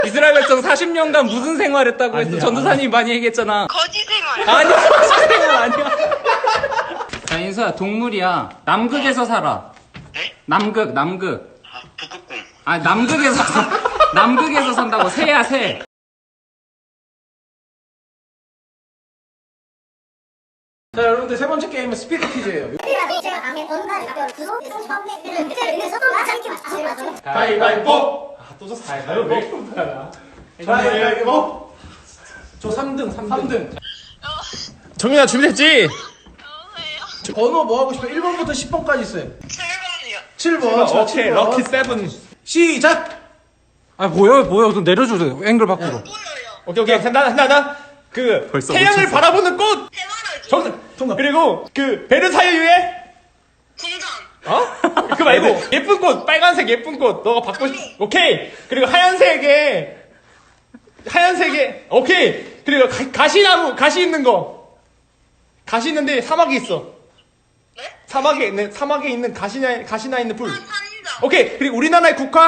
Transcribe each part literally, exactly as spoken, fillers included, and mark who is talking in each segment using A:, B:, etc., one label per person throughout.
A: 이스라엘 백성 사십 년간 무슨 생활했다고 했어? 전도사님이 많이 얘기했잖아.
B: 거지 생활.
A: 아니야, 거지 생활 아니야. 자, 인수야, 동물이야. 남극에서 살아.
B: 네?
A: 남극, 남극.
B: 아, 북극곰.
A: 아, 남극에서, 사- 남극에서 산다고. 새야, 새.
C: 자, 여러분들 세 번째 게임은 스피드 퀴즈예요. 가위바위보. 아, 또 졌어. 가위바위보. 가위바위보. 저 삼 등, 삼 등.
D: 정민아 준비됐지?
C: 번호 뭐 하고 싶어? 일 번부터 십 번까지 있어요.
B: 칠 번이요.
C: 칠 번. 자,
D: 오케이
C: 칠 번.
D: 럭키 세븐.
C: 시작. 아, 뭐야, 뭐야. 좀 내려주세요. 앵글 밖으로.
B: 보여요.
D: 오케이 오케이 한다 한다 한다. 그
A: 벌써
D: 태양을
A: 놓쳤어.
D: 바라보는 꽃.
B: 해바라기.
D: 정답.
C: 정답.
D: 그리고 그 베르사유의
B: 궁전.
D: 어? 그 말고 예쁜 꽃 빨간색 예쁜 꽃 너가 받고 싶. 오케이. 그리고 하얀색에 하얀색에 오케이. 그리고 가, 가시나무 가시 있는 거. 가시 있는데 사막이 있어.
B: 네?
D: 사막에 있는 사막에 있는 가시나 가시나 있는 풀.
B: 산자.
D: 오케이. 그리고 우리나라의 국화.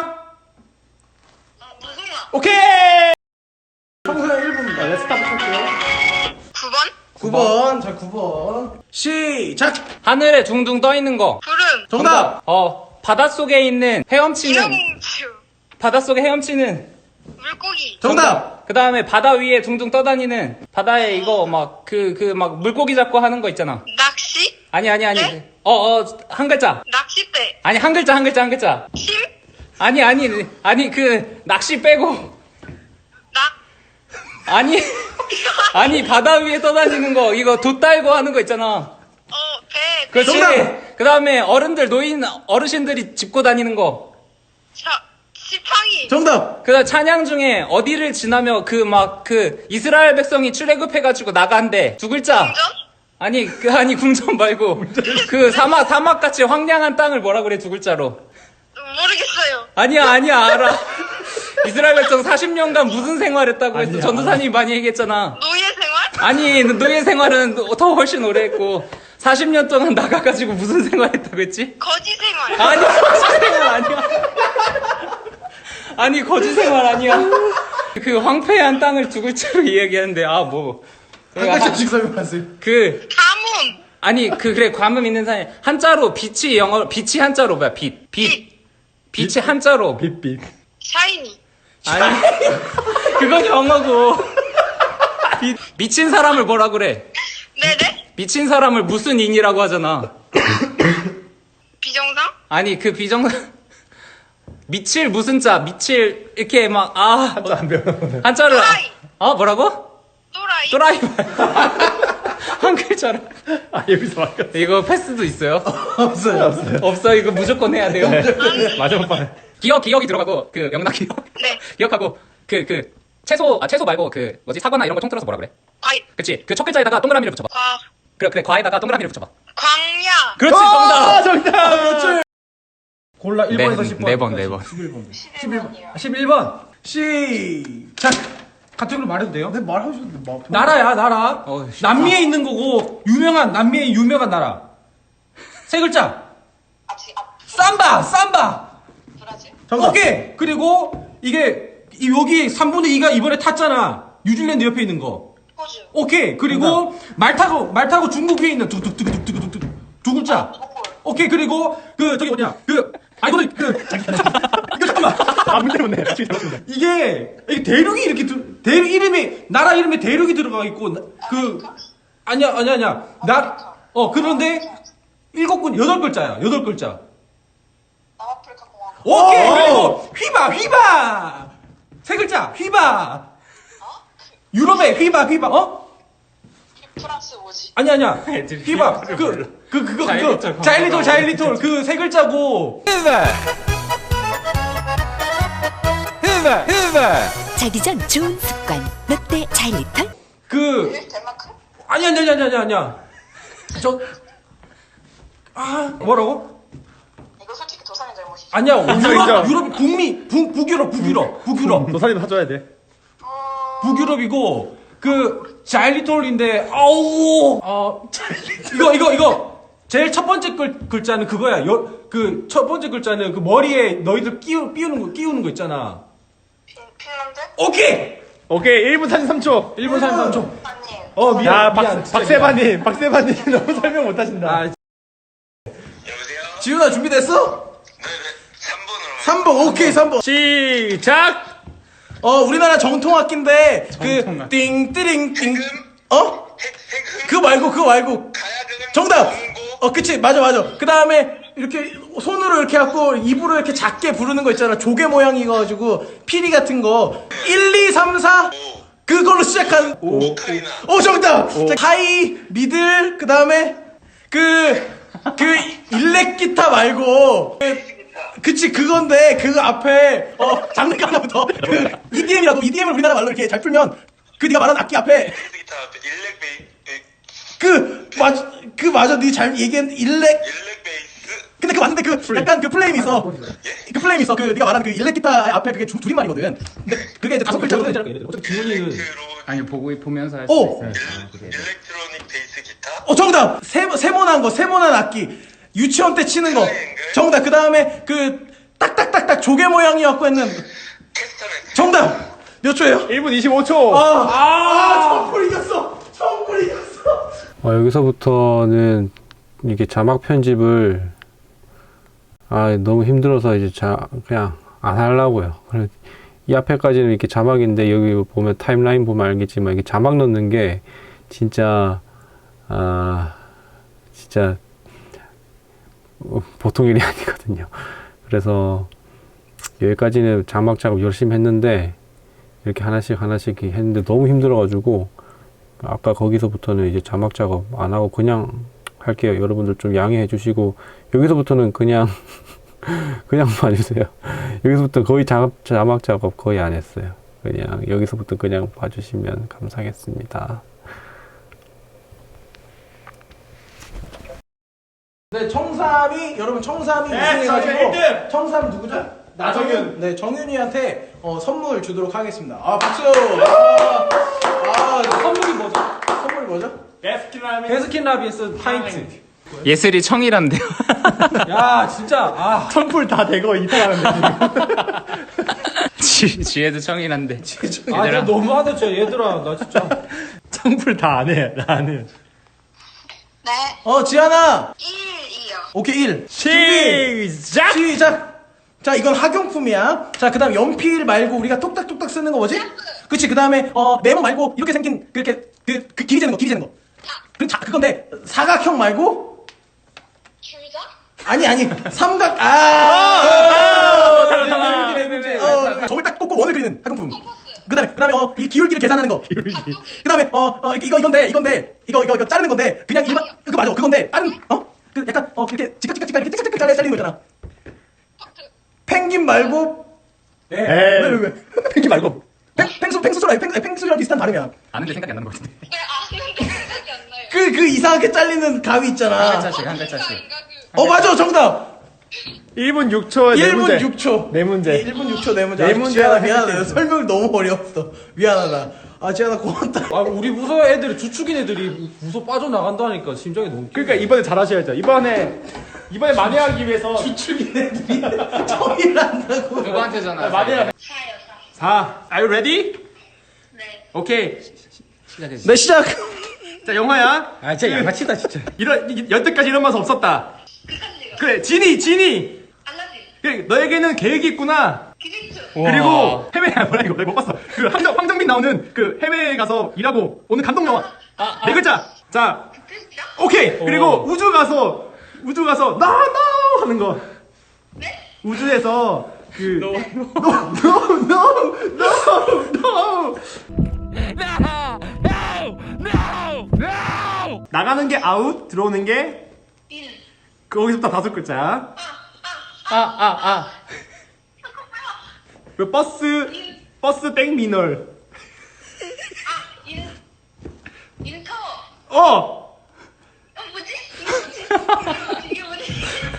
B: 아, 무궁화.
D: 오케이.
C: 청소년 일 분입니다. 네, 스타트 할게요.
B: 구 번.
C: 구 번. 자, 구 번. 시작.
A: 하늘에 둥둥 떠 있는 거.
B: 구름.
C: 정답.
A: 어, 바닷속에 있는 헤엄치는,
B: 기령ଛୁ.
A: 바닷속에 헤엄치는,
B: 물고기.
C: 정답.
A: 그 다음에 바다 위에 둥둥 떠다니는, 바다에 이거 막, 그, 그, 막, 물고기 잡고 하는 거 있잖아.
B: 낚시.
A: 아니, 아니, 아니.
B: 네?
A: 어, 어, 한 글자.
B: 낚싯대.
A: 아니, 한 글자, 한 글자, 한 글자.
B: 심.
A: 아니, 아니, 아니, 그, 낚시 빼고.
B: 낙.
A: 아니, 아니, 바다 위에 떠다니는 거, 이거 돛 달고 하는 거 있잖아.
B: 어, 배.
A: 그렇지.
C: 정답!
A: 그 다음에 어른들, 노인, 어르신들이 짚고 다니는 거.
B: 자, 지팡이.
C: 정답.
A: 그 다음 찬양 중에 어디를 지나며 그 막, 그, 이스라엘 백성이 출애굽해가지고 나간대. 두 글자.
B: 궁전.
A: 아니, 그, 아니, 궁전 말고. 그 사막, 사막같이 황량한 땅을 뭐라 그래, 두 글자로.
B: 모르겠어요.
A: 아니야, 아니야, 알아. 이스라엘 백성 사십 년간 무슨 생활했다고 했어? 전도사님이 많이 얘기했잖아.
B: 노예 생활.
A: 아니, 노예 생활은 더 훨씬 오래 했고, 사십 년 동안 나가가지고 무슨 생활했다고 했지?
B: 거지 생활.
A: 아니, 거지 생활 아니야. 아니, 거지 생활 아니야. 그 황폐한 땅을 두 글자로 이야기하는데, 아, 뭐.
C: 한 글자씩 설명하세요.
A: 그,
B: 가뭄.
A: 아니, 그, 그래, 과문 있는 사람이, 한자로, 빛이 영어, 빛이 한자로 뭐야, 빛. 빛. 빛이 한자로.
D: 빛빛.
B: 샤이니.
A: 아니, 그건 영어고. 미, 미친 사람을 뭐라 그래?
B: 네네.
A: 미친 사람을 무슨 인이라고 하잖아.
B: 비정상.
A: 아니, 그 비정, 미칠 무슨 자, 미칠, 이렇게 막, 아.
D: 한자 안 배우는.
A: 한자를,
B: 또라이.
A: 어, 뭐라고?
B: 또라이.
A: 또라이. 한 글자로.
D: 아 여기서 막혔어.
A: 이거 패스도 있어요?
C: 없어요. 없어요.
A: 없어, 이거 무조건 해야 돼요.
D: 마지막 판.
A: 기억, 기억이 들어가고, 그, 영락 기억.
B: 네.
A: 기억하고, 그, 그, 채소, 아, 채소 말고, 그, 뭐지, 사과나 이런 거 통틀어서 뭐라 그래?
B: 과일.
A: 그치? 그 첫 글자에다가 동그라미를 붙여봐.
B: 과.
A: 그래, 그래, 과에다가 동그라미를 붙여봐.
B: 광야.
A: 그렇지,
D: 아
A: 정답!
D: 정답.
C: 골라 일 번에서
A: 네,
C: 십 번.
A: 네 번, 네 번.
C: 십일 번.
B: 십일 번이요.
C: 십일 번. 시작. 카테고리 말해도 돼요? 네, 말하셔도 뭐.
E: 나라야 나라.
A: 어, 쉽다.
E: 남미에 있는 거고 유명한 남미의 유명한 나라. 세 글자.
B: 앞시 앞.
E: 삼바 삼바.
B: 브라질.
C: 정답.
E: 오케이. 그리고 이게 이- 여기 삼분의 이가 이번에 탔잖아. 뉴질랜드 옆에 있는 거.
B: 호주.
E: 오케이. 그리고 말 타고 말 타고 중국 위에 있는 두두두두두두두 두 글자. 오케이. 그리고 그 저기 뭐냐 그 아이고 그 이거 잠깐만.
D: 아 문제 묻네. 나중에 잘못했네.
E: 이게 이게 대륙이 이렇게 들 대륙 이름이 나라 이름에 대륙이 들어가 있고 나- 그 아니야 아니야 아니야 나 어 그런데 일곱 군 여덟 글자야 여덟 글자.
B: 남아프리카 공화국.
E: 오케이
C: 오!
E: 그리고 휘바 휘바 세 글자 휘바 유럽의 휘바 휘바 어
B: 프랑스 뭐지?
E: 아니 아니야
A: 애들이
E: 휘바
A: 휘바를
E: 그 그 그거
A: 자일리톨
E: 그거 자일리톨
A: 광고가
E: 자일리톨 그 세 글자고
F: 자기 전 좋은 습관 롯데 자일리톨
E: 그
B: 덴마크?
E: 아니야 아니야 아니야 아니야 아니야 저 아 뭐라고?
B: 이거 솔직히 도산의 잘못이지.
E: 아니야
D: 인정,
E: 유럽
D: 인정.
E: 유럽 북미 북 북유럽 북유럽 북유럽
D: 너 살림 사줘야 돼.
E: 북유럽이고 그 자일리톨인데 아우 어 이거 이거 이거 제일 첫 번째 글, 글자는 그거야 그 첫 번째 글자는 그 머리에 너희들 끼우 끼우는 거 끼우는 거 있잖아
B: 비, 핀란드?
E: 오케이.
D: 오케이 일 분 사십삼 초.
E: 일 분 삼십삼 초.
B: 아니.
E: 어 미안.
D: 야
E: 미안.
D: 박,
E: 진짜
D: 박세바님 박세바님 너무 설명 못하신다.
E: 아,
G: 여보세요?
E: 지훈아 준비됐어?
G: 네네. 삼 번으로.
E: 삼 번 오케이 삼 번.
D: 시작.
E: 어 우리나라 정통 악기인데
A: 정통
E: 그
A: 악기.
E: 띵띠링띵 어?
G: 색, 색흠.
E: 그거 말고 그거 말고
G: 가야금은.
E: 정답.
G: 공고.
E: 어 그치 맞아 맞아. 그 다음에 이렇게 손으로 이렇게 갖고 입으로 이렇게 작게 부르는 거 있잖아. 조개 모양이가지고 피리 같은 거. 일, 이, 삼, 사 그걸로 시작한. 오,
G: 오카리나.
E: 오 정답. 자, 하이 미들 그 다음에 그 그 일렉 기타 말고. 그, 그치 그건데 그 앞에 어 장르가 하나부터 그 이디엠이라고 이디엠을 우리나라 말로 이렇게 잘 풀면 그 네가 말하는 악기 앞에
G: 베이스 기타 앞에 일렉 베이. 에,
E: 그 맞 그 맞아 네 잘 얘기한 일렉
G: 일렉 베이스.
E: 근데 그 맞는데 그 약간 그 플레임이 있어 그 플레임이 있어 그 네가 말하는 그 일렉 기타 앞에 그게 줄- 줄임말이거든 근데 그게 이제 다섯 글자로
G: 일렉트로닉.
A: 아니 보고 보면서 할 수
E: 오!
A: 있어요.
G: 일렉트로닉 베이스 기타.
E: 어 정답 세 세모난 거 세모난 악기 유치원 때 치는 거 정답 그 다음에 그 딱딱딱딱 조개 모양이었고 했는
G: 캐스터넷.
E: 정답 몇 초예요?
D: 일 분 이십오 초.
E: 아, 아, 청풀 이겼어. 청풀 이겼어.
H: 어, 여기서부터는 이게 자막 편집을 아 너무 힘들어서 이제 자 그냥 안 하려고요. 그래 이 앞에까지는 이렇게 자막인데 여기 보면 타임라인 보면 알겠지만 이게 자막 넣는 게 진짜 아 진짜 보통 일이 아니거든요. 그래서 여기까지는 자막 작업 열심히 했는데 이렇게 하나씩 하나씩 했는데 너무 힘들어가지고 아까 거기서부터는 이제 자막 작업 안 하고 그냥 할게요. 여러분들 좀 양해해 주시고 여기서부터는 그냥 그냥 봐주세요. 여기서부터 거의 자막, 자막 작업 거의 안 했어요. 그냥 여기서부터 그냥 봐주시면 감사하겠습니다.
E: 네, 청삼이 여러분 청삼이
D: 네,
E: 우승해가지고
D: 저희가 일 등!
E: 청삼 누구죠?
D: 나정윤.
E: 네, 정윤이한테 어, 선물 주도록 하겠습니다. 아 박수. 아, 아
C: 선물이 뭐죠?
E: 선물이 뭐죠?
D: 베스킨라빈.
C: 베스킨 라빈스 파인트.
A: 예슬이 청이란데요.
C: 야 진짜 아
D: 선풀 다 대거 이탈하는데 지금.
A: 지 지혜도 청이란데.
C: 아, 나 너무하다 진짜 얘들아 나 진짜
D: 선풀 다 안 해. 나 안 해.
B: 네.
E: 어 지안아.
B: 일, 이요.
E: 오케이 일. 준비.
D: 시작.
E: 시작. 자 이건 학용품이야. 자 그다음 연필 말고 우리가 톡딱톡딱 쓰는 거 뭐지? 그치 그다음에 어 네모 말고 이렇게 생긴 그렇게 그, 그 길이 재는 거 길이 재는 거. 그 자, 그건데 사각형 말고
B: 줄자?
E: 아니 아니 삼각 아.
C: 네 문제
E: 어, 점을 딱 꽂고 원을 그리는 학용품. 그다음에 그다음에 어, 이 기울기를 계산하는 거. 그다음에 어, 어 이거 이건데 이건데 이거 이거 이거 자르는 건데 그냥 일반 그거 맞아 그건데 다른 어그 약간 어 이렇게 지깍지깍지깍 이렇게 찌깍찌깍 잘라 잘리는 거 있잖아. 펭귄 말고
D: 에이.
E: 왜, 왜, 왜?
D: 펭귄 말고.
E: 펭 펭수 펭수랑 펭 펭수랑 비슷한 발음이야.
A: 아는데 생각이 안 나는 것 같은데.
B: 네, 아는데 생각이 안 나요.
E: 그 그 이상하게 잘리는 가위
A: 한
E: 있잖아.
A: 글자씩 한 글자씩.
E: 어 맞아 정답.
D: 일 분 육 초에 네
E: 일 분
D: 문제.
E: 육 초.
D: 네 문제.
E: 일 분 육 초 네 문제.
D: 네
E: 아,
D: 문제
E: 지안아
D: 하나
E: 미안하다.
D: 해볼게요.
E: 설명이 너무 어려웠어. 미안하다. 아 지안아 고맙다.
C: 아 우리 부서 애들이 주축인 애들이 부서 빠져나간다니까 심장이 너무
D: 그러니까 이번에 잘하셔야죠. 이번에 이번에 만회하기 위해서
E: 주축인 애들이 청일 한다고.
A: 누구한테 전화?
D: 만회하.
B: 사요, 사.
D: 사. Are you ready?
B: 네.
D: 오케이.
A: 시작했어.
E: 네 시작.
D: 자 영화야.
C: 아 진짜 양아치다 진짜
D: 이런 이- 여태까지 이런 맛 없었다.
B: 극한지요.
D: 그래 진이 진이.
B: 알라딘.
D: 그래 너에게는 계획이 있구나.
B: 기생충.
D: 그리고 해외 아 뭐라 이거 내가 못 봤어. 그 황정 황정민 나오는 그 해외에 가서 일하고 오는 감동 영화. 네 글자. 자
B: 극한지요?
D: 오케이. 그리고 우주 가서 우주 가서 나 나 하는 거.
B: 네?
D: 우주에서 그 no no no no no 나가는 게 아웃 들어오는 게
B: 일.
D: 거기서부터 다섯 글자야.
A: 아, 아, 아.
D: 그 버스 버스 땡 미널.
B: 아, 일. 일터.
D: 어
B: 어, 뭐지? 이게 뭐지? 이게 뭐지?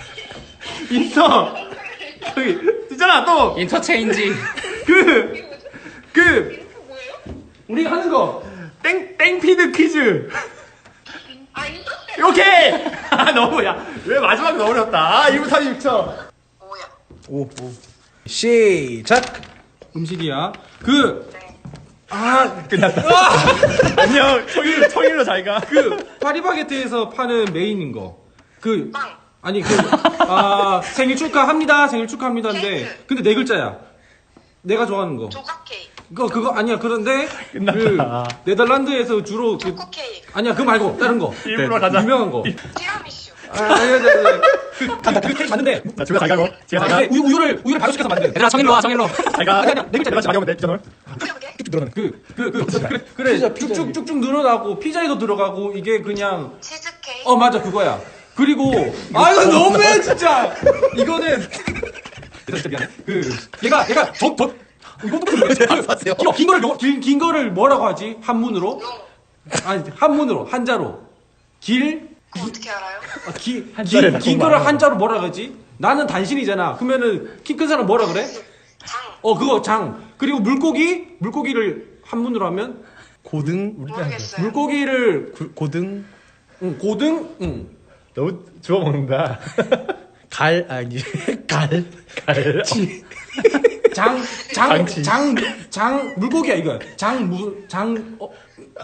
D: 인터 저기 있잖아 또
A: 인터체인지.
D: 그 그
B: 이거 뭐예요?
D: 우리가 하는 거 땡 땡피드 퀴즈.
B: 아, 인터 때.
D: 오케이. 아 너무 야왜 마지막 너무 어렵다. 아 일 분 삼십육 초.
B: 뭐야?
E: 오 오. 시작.
C: 음식이야. 그,
B: 네.
C: 아,
D: 끝났다. 안녕. 청일 청일로 잘 가.
C: 그, 파리바게트에서 파는 메인인 거. 그,
B: 빵.
C: 아니, 그, 아, 생일 축하합니다. 생일 축하합니다인데.
B: 케이크.
C: 근데 네 글자야. 내가 좋아하는 거.
B: 조각 케이크.
C: 그거, 그거 아니야. 그런데, 그,
D: 끝났다.
C: 네덜란드에서 주로 그,
B: 초코 케이크.
C: 아니야. 그거 말고, 다른 거.
D: 일부러 가자.
C: 유명한 거.
B: 티라미슈.
C: 아, 아니, 아니, 아니. 그, 그, 그 케이크 맞는데.
D: 자, 집에 잘 가고. 집에 잘 가.
C: 근데 우유, 우유를, 우유를 발효시켜서 만든.
A: 얘들아 청일로 와 청일로.
D: 잘 가.
C: 아니, 아니, 네 글자, 네 글자.
D: 많이 오면 돼. 피자놀.
B: 어떻게?
C: 그, 그, 그, 그래, 그래. 쭉쭉쭉쭉 늘어나고, 피자에도 들어가고, 이게 그냥,
B: 치즈케이크.
C: 어, 맞아, 그거야. 그리고, 아, 이거 너무해, 진짜! 이거는, 진짜 미안해. 그, 얘가, 얘가, 저, 저, 이것도 그래. 긴, 긴 거를, 요- 긴, 긴 거를 뭐라고 하지? 한문으로? 아니, 한문으로, 한자로. 길,
B: 그거 어떻게 알아요?
C: 아, 기,
D: 한자를
C: 긴, 긴
D: 너무
C: 거를
D: 많아.
C: 한자로 뭐라 그러지? 나는 단신이잖아. 그러면은, 키 큰 사람 뭐라 그래?
B: 장.
C: 어, 그거 장. 그리고 물고기? 물고기를 한문으로 하면?
E: 고등
B: 모르겠어요.
C: 물고기를,
E: 구- 고등
C: 응, 고등? 응.
D: 너무 주워 먹는다.
E: 갈 아니 갈
D: 갈.
C: 장, 장,
D: 장치.
C: 장, 장, 물고기야, 이거. 장, 무, 장, 어,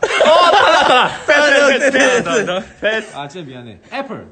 D: 패스 패스 패스.
C: 아, 진짜 미안해. 애플.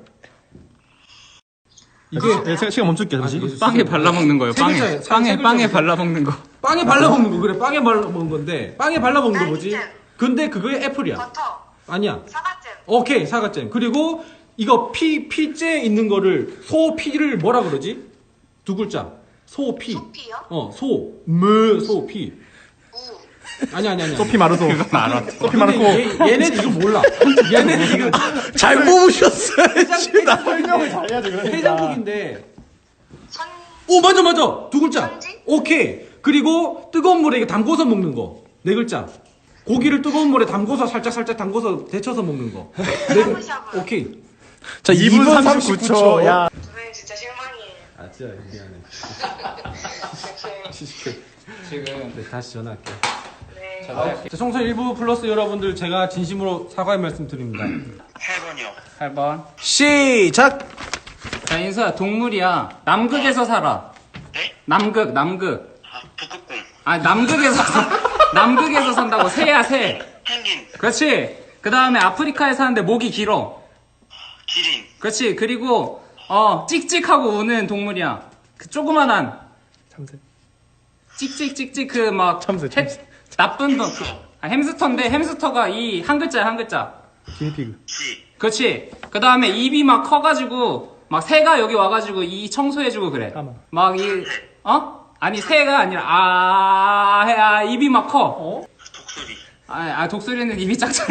D: 이게 시간 멈출게.
C: 잠시.
A: 빵에 발라 먹는 거예요.
C: 세
A: 빵에
C: 글자예요. 세
A: 빵에
C: 글자.
A: 빵에 발라 먹는 거.
C: 빵에 발라 먹는 거, 그래. 빵에 발라 먹는 건데. 빵에 발라 먹는 거 뭐지?
B: 딸기잼.
C: 근데 그게 애플이야.
B: 버터.
C: 아니야.
B: 사과잼.
C: 오케이, 사과잼. 그리고 이거 피, 피째 있는 거를, 소, 피를 뭐라 그러지? 두 글자. 소, 피.
B: 소피요?
C: 어, 소, 무, 소, 피.
B: 우.
C: 아니, 아니, 아니.
D: 소피 마르소.
A: 알아.
D: 소피 마르코.
C: 얘, 얘네는 이거 몰라. 얘네는 이거.
E: 잘 뽑으셨어요.
C: 해장,
D: 설명을 잘해야지 그러니까.
C: 해장국인데.
B: 선.
C: 오, 맞아, 맞아. 두 글자.
B: 선지?
C: 오케이. 그리고 뜨거운 물에 이거 담궈서 먹는 거. 네 글자. 고기를 뜨거운 물에 담궈서 살짝 살짝 담궈서 데쳐서 먹는 거. 네 글.
B: 샤브샤브.
C: 오케이.
E: 자
D: 이 분 삼십구 초. 야.
B: 두 분 진짜 실망이에요.
C: 아, 진짜 미안해.
A: 지금
C: 네, 다시 전화할게.
B: 네.
C: 자, 청소 일부 플러스 여러분들 제가 진심으로 사과의 말씀 드립니다.
G: 팔 번이요.
A: 팔 번.
E: 시작.
A: 자 인수야 동물이야. 남극에서 살아.
G: 네?
A: 남극 남극.
G: 아, 북극곰.
A: 아 남극에서 남극에서 산다고. 새야 새.
G: 펭귄.
A: 그렇지. 그 다음에 아프리카에 사는데 목이 길어.
G: 기린.
A: 그렇지. 그리고 어 찍찍하고 우는 동물이야. 그 조그만한
D: 참새.
A: 찍찍찍찍 그 막
D: 참새, 참새.
A: 나쁜 놈. 아, 햄스터인데 햄스터가 이 한 글자야 한 글자.
D: 기니피그.
G: 지.
A: 그렇지. 그 다음에 입이 막 커가지고 막 새가 여기 와가지고 이 청소해주고 그래.
D: 까마.
A: 막 이 어? 아니 새가 아니라 아, 아 입이 막 커.
G: 독수리.
A: 아, 아 독수리는 입이 작잖아.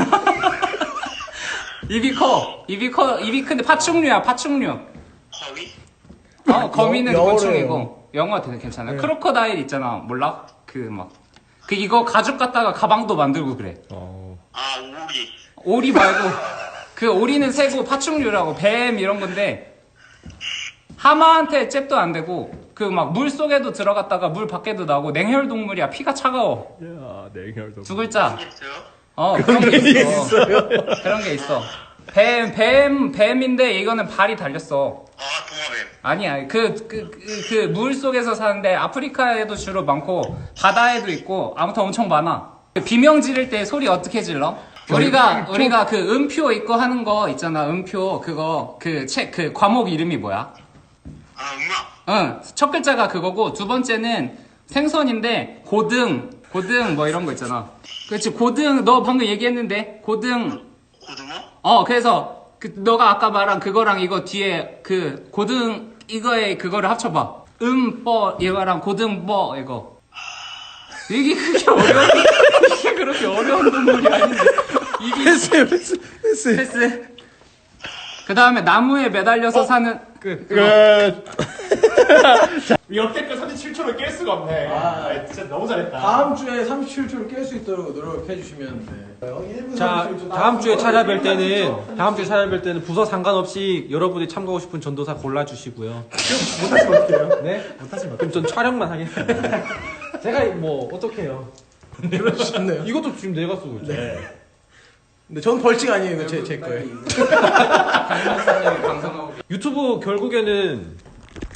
A: 입이 커. 입이 커. 입이 큰데 파충류야 파충류.
G: 거위.
A: 어 거미는
E: 영어로
A: 곤충이고 영어 되게 괜찮아. 크로커다일 있잖아. 몰라? 그 막 그 이거 가죽 갖다가 가방도 만들고 그래.
G: 아, 오리.
A: 오리 말고 그 오리는 새고 파충류라고 뱀 이런 건데 하마한테 잽도 안 되고 그 막 물 속에도 들어갔다가 물 밖에도 나오고 냉혈 동물이야. 피가 차가워.
D: 야, 냉혈도.
A: 두 글자.
G: 있어요?
A: 어 그런 게 있어. 그런 게 있어. 뱀 뱀 뱀인데 이거는 발이 달렸어.
G: 아, 도마뱀.
A: 아니야. 그 그 그 물 속에서 사는데 아프리카에도 주로 많고 바다에도 있고 아무튼 엄청 많아. 비명 지를 때 소리 어떻게 질러? 우리가 우리가 그 음표 있고 하는 거 있잖아. 음표 그거 그 책 그 과목 이름이 뭐야?
G: 아, 음악.
A: 응. 첫 글자가 그거고 두 번째는 생선인데 고등 고등 뭐 이런 거 있잖아. 그렇지. 고등 너 방금 얘기했는데 고등
G: 고등어?
A: 어 그래서 그 너가 아까 말한 그거랑 이거 뒤에 그 고등 이거에 그거를 합쳐봐. 음뻐 이거랑 고등뻐 이거. 이게 그렇게 어려운 이게 그렇게 어려운 동물이 아닌데. 이게
E: 패스 패스 패스.
A: 패스. 그 다음에 나무에 매달려서 사는 그 그거.
D: 끝. 역대급 삼십칠 초를 깰 수가 없네. 아, 진짜 너무 잘했다.
E: 다음 주에 삼십칠 초를 깰 수 있도록 노력해 주시면 돼.
C: 자, 다음 주에 찾아뵐 때는, 다음 주에 찾아뵐 때는 부서 상관없이 여러분이 참가하고 싶은 전도사 골라주시고요.
D: 못하시면 어떡해요?
C: 네? 못하시면 그럼 전 촬영만 하겠습니다. 제가 뭐, 어떡해요.
E: 그러셨네요.
C: 이것도 지금 내가 쓰고 있죠.
E: 근데 전 벌칙 아니에요. 이거 제, 제 거예요.
A: 방송하고.
C: 유튜브 결국에는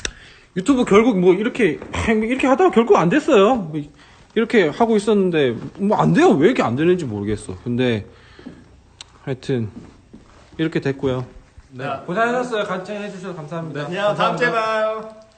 C: 유튜브 결국 뭐 이렇게 이렇게 하다가 결국 안 됐어요. 뭐 이렇게 하고 있었는데 뭐 안 돼요. 왜 이렇게 안 되는지 모르겠어. 근데 하여튼 이렇게 됐고요. 네. 고생하셨어요. 같이 해주셔서 감사합니다.
D: 안녕, 다음 주에 봐요.